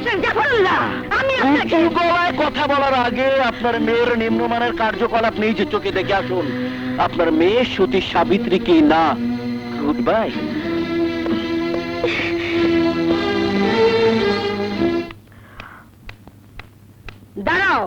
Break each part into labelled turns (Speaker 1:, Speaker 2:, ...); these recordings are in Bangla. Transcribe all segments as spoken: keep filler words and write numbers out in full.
Speaker 1: মিস্টার জাফরুল্লাহ, আমি আপনাকে
Speaker 2: উঁচু গলায় কথা বলার আগে আপনার মেয়ের নিম্নমানের কার্যকলাপ নিজে চোখে দেখে আসুন। আপনার মেয়ে সতী সাবিত্রী কি না? Good bye.
Speaker 1: দাঁড়াও।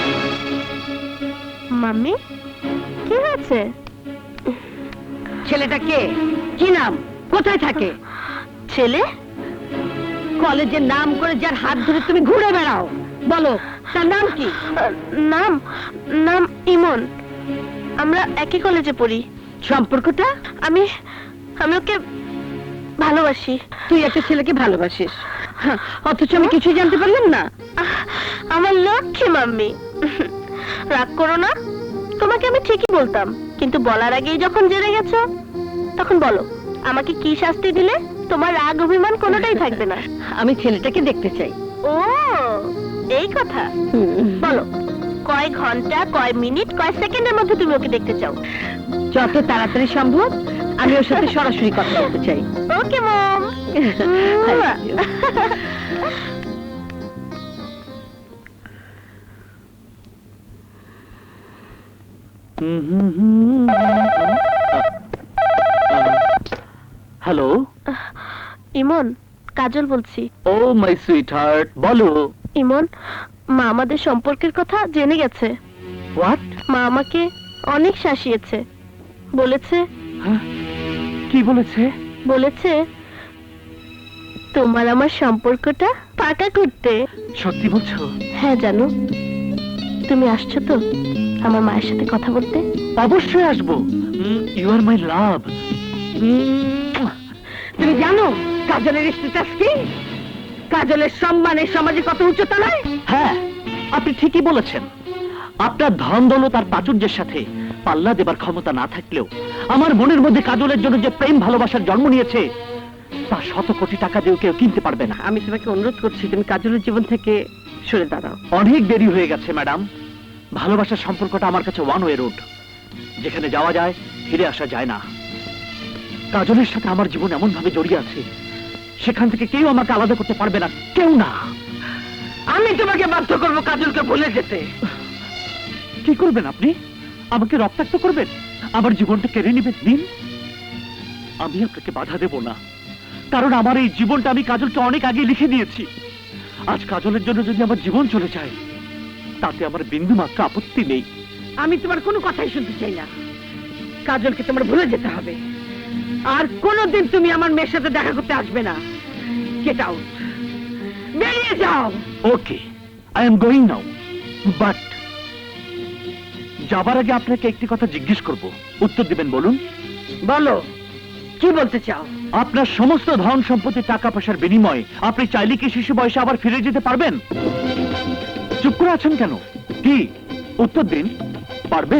Speaker 3: মাম্মি, কি হয়েছে?
Speaker 1: ছেলেটা কে? কি নাম? কোথায় থাকে?
Speaker 3: ছেলে?
Speaker 1: কলেজের নাম করে যার হাত ধরে তুমি ঘুরে বেড়াও, বলো তার নাম কি?
Speaker 3: নাম নাম ইমন। আমরা একই কলেজে পড়ি।
Speaker 1: সম্পর্কটা?
Speaker 3: আমি আমি ওকে ভালোবাসি।
Speaker 1: তুই একটা ছেলেকে ভালোবাসিস, হ্যাঁ, অথচ আমি কিছুই জানতে পারলাম না।
Speaker 3: আহ, আমার লক্ষ্মী মাম্মি, রাগ করো না। তোমাকে আমি ঠিকই বলতাম, কিন্তু বলার আগেই যখন জেনে গেছো, তখন বলো আমাকে কি শাস্তি দিলে তোমার রাগ অভিমান কোনোটাই থাকবে না।
Speaker 1: আমি ছেলেটাকে দেখতে চাই।
Speaker 3: ও, এই কথা। বলো কয় ঘন্টা, কয় মিনিট, কয় সেকেন্ডের মধ্যে তুমি ওকে দেখতে চাও?
Speaker 1: যত তাড়াতাড়ি সম্ভব আমি ওর সাথে সরাসরি কথা বলতে চাই।
Speaker 3: ওকে মম।
Speaker 2: হ্যালো।
Speaker 3: ইমন, কাজল বলছি।
Speaker 2: ও মাই সুইট হার্ট, বলো।
Speaker 3: ইমন, মা আমাদের সম্পর্কের কথা জেনে গেছে।
Speaker 2: হোয়াট?
Speaker 3: মা আমাকে অনেক শাসিয়েছে। বলেছে
Speaker 2: কি বলেছে?
Speaker 3: বলেছে তোমার আমার সম্পর্কটা পাকা করতে।
Speaker 2: সত্যি বলছো?
Speaker 3: হ্যাঁ জানো। তুমি আসছো তো আমার মায়ের সাথে কথা বলতে?
Speaker 2: অবশ্যই আসবো। You are my love.
Speaker 1: তুমি জানো কাজলের স্ট্যাটাস কি? কাজলের সম্মানের সমাজে কত উচ্চতা নয়?
Speaker 2: হ্যাঁ, আপনি ঠিকই বলেছেন। আপনার ধন দৌলত আর প্রাচুর্যের সাথে পাল্লা দেবার ক্ষমতা না থাকলেও আমার মনের মধ্যে কাজলের জন্য যে প্রেম ভালোবাসার জন্ম নিয়েছে, তা শত কোটি টাকা দিয়েও কেউ কিনতে পারবে না।
Speaker 1: আমি তোমাকে অনুরোধ করছি তুমি কাজলের জীবন থেকে সরে দাঁড়াও।
Speaker 2: অনেক দেরি হয়ে গেছে ম্যাডাম। ভালোবাসার সম্পর্কটা আমার কাছে ওয়ান ওয়ে রোড, যেখানে যাওয়া যায় ফিরে আসা যায় না। কাজলের সাথে আমার জীবন এমন ভাবে জড়িয়ে আছে, সেখান থেকে কেউ আমাকে আলাদা করতে পারবে না, কেউ না।
Speaker 1: আমি তোমাকে বাধ্য করবো কাজলকে ভুলে যেতে।
Speaker 2: কি করবেন আপনি? আমাকে রক্তাক্ত করবেন? আমার জীবনটা কেড়ে নেবেন? দিন, আমি আপনাকে বাধা দেব না, কারণ আমার এই জীবনটা আমি কাজলকে অনেক আগে লিখে দিয়েছি। আজ কাজলের জন্য যদি আমার জীবন চলে যায়, তাতে আমার বিন্দু মাত্র আপত্তি নেই।
Speaker 1: আমি তোমার কোনো কথাই শুনতে চাই না। কাজলকে তোমার ভুলে যেতে হবে, আর কোনোদিন তুমি আমার মেয়ের সাথে দেখা করতে আসবে না। গেট আউট, বেরিয়ে যাও।
Speaker 2: Okay, I am going now, but যাবার আগে আপনাকে একটি কথা জিজ্ঞেস করব, উত্তর দিবেন? বলুন।
Speaker 1: বলো, কি বলতে চাও?
Speaker 2: আপনার সমস্ত ধন সম্পত্তি, টাকা পয়সার বিনিময়ে আপনি চাইলে কি শিশু বয়সে আবার ফিরে যেতে পারবেন? চুপ করে আছেন কেন? কি উত্তর দিন, পারবেন?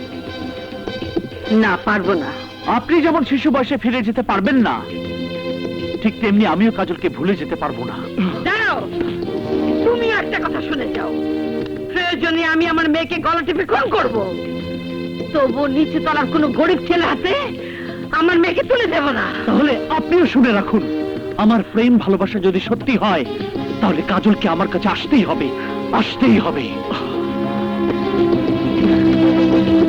Speaker 1: না, পারবো না।
Speaker 2: আপনি যেমন শিশু বয়সে ফিরে যেতে পারবেন না, ঠিক তেমনি আমিও কাজলকে ভুলে যেতে পারবো না।
Speaker 1: দাঁড়াও, তুমি একটা কথা শুনে যাও। প্রয়োজনে আমি আমার মেয়েকে গলা টিপে খুন করবো, তবু নিচে তলার কোনো গরিব ছেলে হাতে আমার মেয়েকে তুলে দেব না।
Speaker 2: তাহলে আপনিও শুনে রাখুন, আমার প্রেম ভালোবাসা যদি সত্যি হয়, তাহলে কাজলকে আমার কাছে আসতেই হবে, আসতেই হবে।